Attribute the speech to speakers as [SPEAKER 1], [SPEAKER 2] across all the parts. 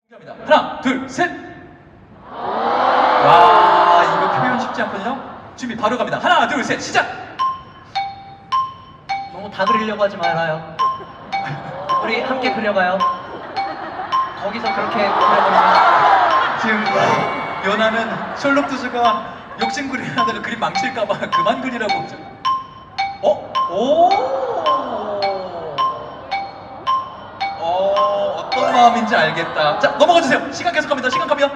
[SPEAKER 1] 하나, 둘, 셋. 와, 이거 표현 쉽지 않거든요. 준비 바로 갑니다. 하나, 둘, 셋, 시작.
[SPEAKER 2] 너무 다 그리려고 하지 말아요. 우리 함께 그려봐요. 거기서 그렇게 그려버리면
[SPEAKER 1] 지금 연하는 셜록 투수가 욕심 그리려다가 그림 망칠까봐 그만 그리라고. 어떤 마음인지 알겠다. 자, 넘어가 주세요. 시간 계속 갑니다. 시간 갑니다.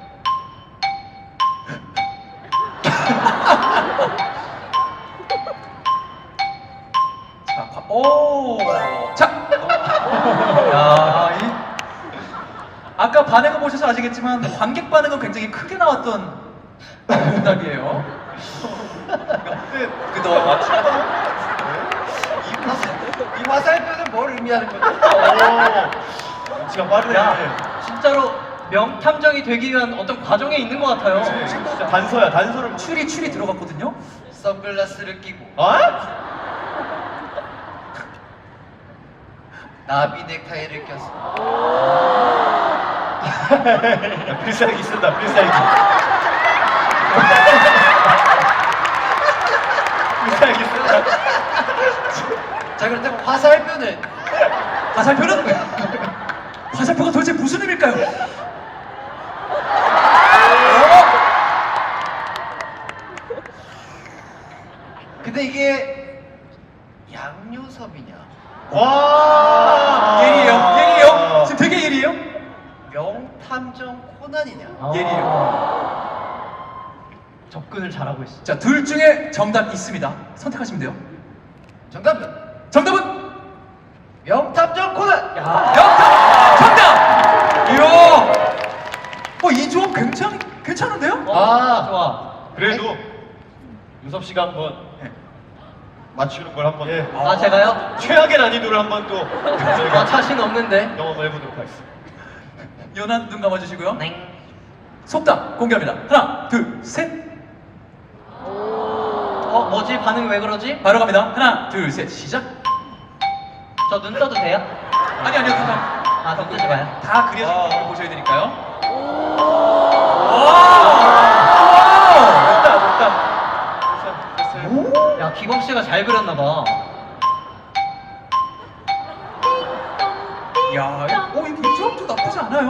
[SPEAKER 1] 자, 자. 야, 아까 반응을 보셔서 아시겠지만 관객 반응은 굉장히 크게 나왔던 응답이에요. 그동안 맞추다.
[SPEAKER 3] 이 화살표는 뭘 의미하는 거죠?
[SPEAKER 2] 지가 빠르네. 진짜로 명탐정이 되기 위한 어떤 과정에 있는 것 같아요.
[SPEAKER 3] 진짜 단서야, 단서를
[SPEAKER 1] 추리 들어갔거든요.
[SPEAKER 3] 선글라스를 끼고
[SPEAKER 2] 어?
[SPEAKER 3] 나비 넥타이를 꼈어.
[SPEAKER 2] 필살기 쓴다, 필살기. 필살기 쓴다.
[SPEAKER 3] 자, 그렇다면 화살표는
[SPEAKER 1] 화살표가 도대체 무슨 의미일까요?
[SPEAKER 3] 근데 이게 양요섭이냐
[SPEAKER 1] 예리해요. 지금 되게 예리해요.
[SPEAKER 3] 명탐정 코난이냐?
[SPEAKER 1] 예리해요.
[SPEAKER 2] 접근을 잘하고 있어.
[SPEAKER 1] 자, 둘 중에 정답 있습니다. 선택하시면 돼요. 정답은
[SPEAKER 3] 명탐정 코난!
[SPEAKER 1] 명탐 정답. 이야. 이 조합 괜찮은데요?
[SPEAKER 2] 좋아.
[SPEAKER 4] 그래도 유섭 씨가 한번 맞추는 걸 한번
[SPEAKER 2] 제가요?
[SPEAKER 4] 최악의 난이도를 한번 또 저희가
[SPEAKER 2] 자신 없는데.
[SPEAKER 4] 경험을 해보도록 하겠습니다.
[SPEAKER 1] 연한 눈 감아주시고요.
[SPEAKER 2] 넹.
[SPEAKER 1] 속담 공개합니다. 하나, 둘, 셋.
[SPEAKER 2] 뭐지? 반응이 왜 그러지?
[SPEAKER 1] 바로 갑니다. 하나, 둘, 셋. 시작.
[SPEAKER 2] 저 눈 떠도 돼요?
[SPEAKER 1] 아니요. 그냥
[SPEAKER 2] 눈 뜨지 마요.
[SPEAKER 1] 다 그려진 걸 보셔야 되니까요.
[SPEAKER 2] 야, 기광 씨가 잘 그렸나 봐.
[SPEAKER 1] 야, 이 조합도 나쁘지 않아요.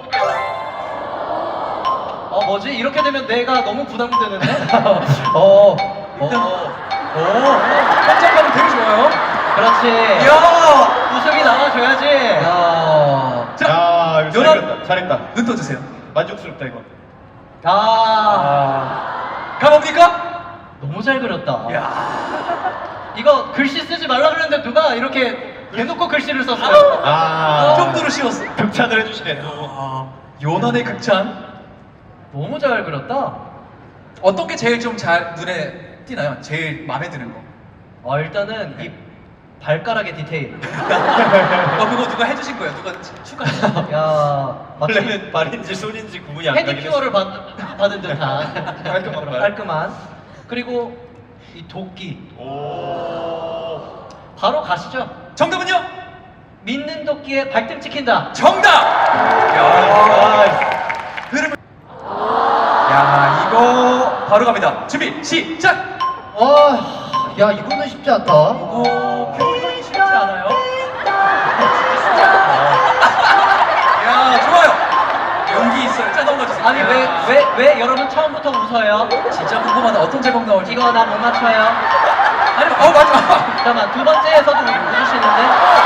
[SPEAKER 2] 뭐지? 이렇게 되면 내가 너무 부담되는데?
[SPEAKER 1] 일단, 현장감은 되게 좋아요.
[SPEAKER 2] 그렇지.
[SPEAKER 1] 이야,
[SPEAKER 2] 웃음이 나와줘야지.
[SPEAKER 1] 자,
[SPEAKER 4] 야, 이거
[SPEAKER 1] 연한
[SPEAKER 4] 잘했다.
[SPEAKER 1] 눈 떠주세요.
[SPEAKER 4] 만족스럽다 이거.
[SPEAKER 1] 가봅니까?
[SPEAKER 2] 너무 잘 그렸다.
[SPEAKER 1] 야,
[SPEAKER 2] 이거 글씨 쓰지 말라 그랬는데 누가 이렇게 대놓고 글씨를 썼어요.
[SPEAKER 1] 이 정도로 쉬웠어.
[SPEAKER 4] 극찬을 해주시네 또.
[SPEAKER 1] 연한의 극찬.
[SPEAKER 2] 너무 잘 그렸다.
[SPEAKER 1] 어떤 게 제일 좀 잘 눈에 띄나요? 제일 마음에 드는 거.
[SPEAKER 2] 일단은 이 발가락의 디테일.
[SPEAKER 1] 그거 누가 해주신 거예요? 누가 추가하신
[SPEAKER 2] 야, 마치
[SPEAKER 4] 원래는 발인지 손인지 구분이 안 가긴
[SPEAKER 2] 페디큐어를 받은 듯한
[SPEAKER 4] 깔끔한 발.
[SPEAKER 2] 깔끔한. 그리고 이 도끼.
[SPEAKER 4] 오.
[SPEAKER 2] 바로 가시죠.
[SPEAKER 1] 정답은요?
[SPEAKER 2] 믿는 도끼에 발등 찍힌다.
[SPEAKER 1] 정답! 흐름을. 야, 이거 바로 갑니다. 준비, 시작!
[SPEAKER 3] 야, 이거는 쉽지 않다.
[SPEAKER 1] 표현이 쉽지 않아요. 야, 좋아요. 용기 있어요. 자, 넘어가주세요.
[SPEAKER 2] 아니 왜 여러분 처음부터 웃어요?
[SPEAKER 1] 진짜 궁금하다. 어떤 제목 나올지.
[SPEAKER 2] 이거 나 못 맞춰요.
[SPEAKER 1] 아니, 맞아.
[SPEAKER 2] 잠깐만 두 번째에서도 웃으시는데.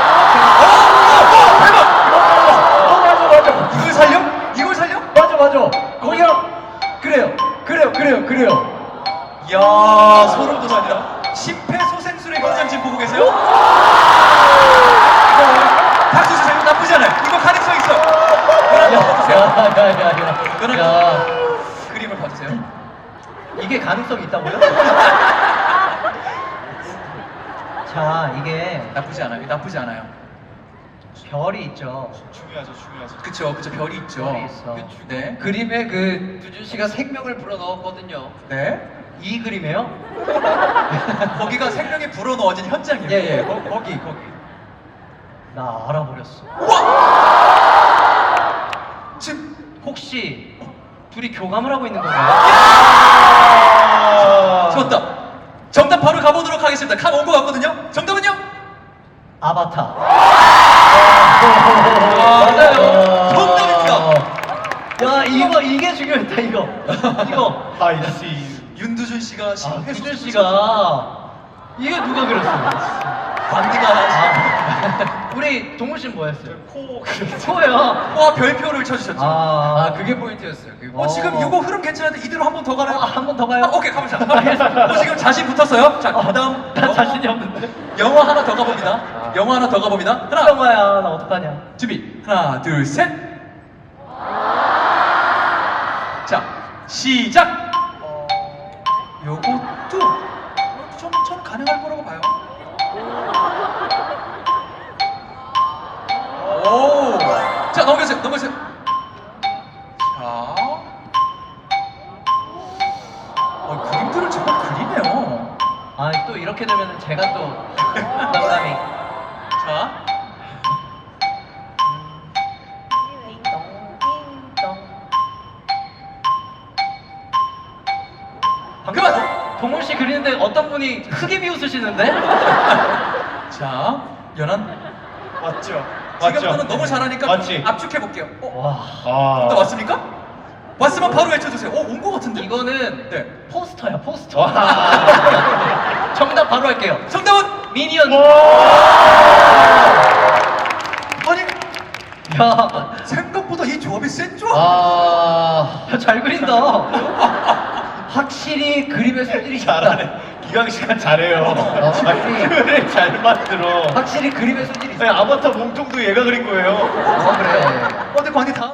[SPEAKER 1] 대박! 이걸 살려? 이걸 살려?
[SPEAKER 3] 맞아. 거기요. 그래요.
[SPEAKER 1] 이야, 소름 돋아요. 심폐소생술의 현장 지금 보고 계세요? 박수 주세요. 나쁘지 않아요. 이거 가능성 있어요.
[SPEAKER 2] 야.
[SPEAKER 1] 그림을 봐주세요.
[SPEAKER 2] 이게 가능성이 있다고요? 자, 이게
[SPEAKER 1] 나쁘지 않아요.
[SPEAKER 2] 별이 있죠.
[SPEAKER 4] 중요하죠.
[SPEAKER 1] 그쵸, 별이 있죠.
[SPEAKER 2] 별이 있어.
[SPEAKER 1] 네.
[SPEAKER 3] 그림에 두준 씨가 생명을 불어넣었거든요.
[SPEAKER 1] 네.
[SPEAKER 2] 이 그림이에요?
[SPEAKER 1] 거기가 생명이 불어넣어진 현장이에요.
[SPEAKER 3] 예, 거기.
[SPEAKER 2] 나 알아버렸어. 혹시 둘이 교감을 하고 있는 건가요?
[SPEAKER 4] 아.
[SPEAKER 1] 좋았다. 정답 바로 가보도록 하겠습니다. 칸 온 것 같거든요. 정답은요?
[SPEAKER 2] 아바타.
[SPEAKER 1] 맞아요. 정답입니다.
[SPEAKER 2] 야 이게 중요했다 이거. 이거.
[SPEAKER 4] I see you.
[SPEAKER 1] 윤두준 씨가 지금
[SPEAKER 2] 두준 씨가 이게 누가 그렸어요?
[SPEAKER 1] 반디가
[SPEAKER 2] 우리 동훈 씨는 뭐 했어요?
[SPEAKER 4] 코
[SPEAKER 2] 코예요.
[SPEAKER 1] 와 별표를 쳐주셨죠.
[SPEAKER 3] 그게 포인트였어요. 그게
[SPEAKER 1] 지금 이거 흐름 괜찮은데 이대로 한 번 더 가나요?
[SPEAKER 2] 한 번 더 가요?
[SPEAKER 1] 오케이 가보자. 지금 자신 붙었어요. 자 그다음
[SPEAKER 2] 나 자신이 없는데.
[SPEAKER 1] 영화 하나 더 가봅니다. 영화 하나 더 가봅니다. 하나
[SPEAKER 2] 영화야 나 어떡하냐?
[SPEAKER 1] 준비. 하나 둘 셋. 자 시작. 요것도 좀 가능할 거라고 봐요. 오. 자 넘겨주세요. 넘겨주세요. 자. 그림들을 제가 그리네요.
[SPEAKER 2] 아 또 이렇게 되면 제가 또 부담감이.
[SPEAKER 1] 자. 그만.
[SPEAKER 2] 동훈 씨 그리는데 어떤 분이 크게 비웃으시는데?
[SPEAKER 1] 자, 연한.
[SPEAKER 4] 맞죠?
[SPEAKER 1] 지금부터는 너무 잘하니까
[SPEAKER 4] 맞지?
[SPEAKER 1] 압축해 볼게요.
[SPEAKER 2] 와.
[SPEAKER 4] 아.
[SPEAKER 1] 또 왔습니까? 왔으면 바로 외쳐주세요. 온 거 같은데.
[SPEAKER 2] 이거는
[SPEAKER 1] 네.
[SPEAKER 2] 포스터야 포스터.
[SPEAKER 4] 와.
[SPEAKER 2] 정답 바로 할게요.
[SPEAKER 1] 정답은
[SPEAKER 2] 미니언.
[SPEAKER 1] 아니
[SPEAKER 2] 야,
[SPEAKER 1] 생각보다 이 조합이 센 조합.
[SPEAKER 2] 잘 그린다. 확실히 그림의 소질이 있다.
[SPEAKER 4] 잘하네. 기광 씨가 잘해요. 그래 잘 만들어.
[SPEAKER 2] 확실히 그림의 소질이 있어.
[SPEAKER 4] 아니, 아바타 몸통도 얘가 그린 거예요.
[SPEAKER 2] 그래.
[SPEAKER 1] 근데 관이 다.